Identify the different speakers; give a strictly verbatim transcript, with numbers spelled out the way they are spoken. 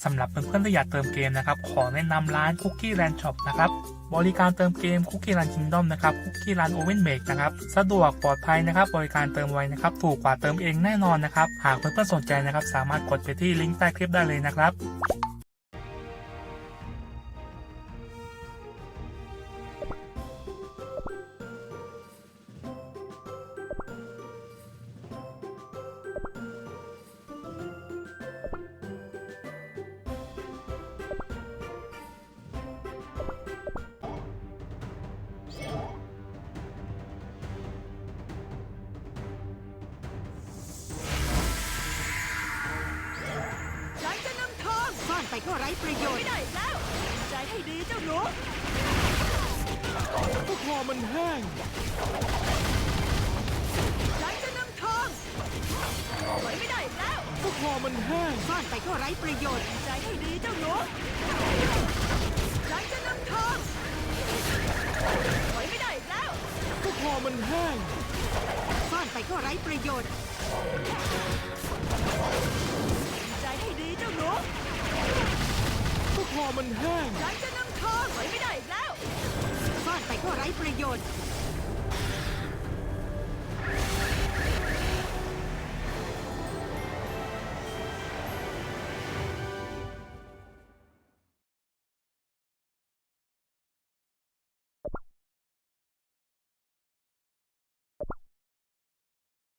Speaker 1: สำหรับเพื่อนๆที่อยากเติมเกมนะครับขอแนะนำร้าน Cookie Land Shop นะครับบริการเติมเกม Cookie Land Kingdom นะครับ Cookie Land Oven Make นะครับสะดวกปลอดภัยนะครับบริการเติมไวนะครับถูกกว่าเติมเองแน่นอนนะครับหากเพื่อนๆสนใจนะครับสามารถกดไปที่ลิงก์ใต้คลิปได้เลยนะครับ
Speaker 2: ซ่อนไปก็ไร้ประโยชน์ไม่ได้แล้วใจให้ดีเจ้าหนูก็คอมันแห้งฉันจะนำทองถอยไม่ได้แล้วก็คอมันแห้งซ่อนไปก็ไร้ประโยชน์ใจให้ดีเจ้าหนูฉันจะนำทองถอยไม่ได้แล้วก็คอมันแห้งซ่อนไปก็ไร้ประโยชน์ใจให้ดีเจ้าหนูก็คอมันแห้งฉันจะนำทองถอยไม่ได้แล้วซ่อนไปก็ไร้ประโยชน์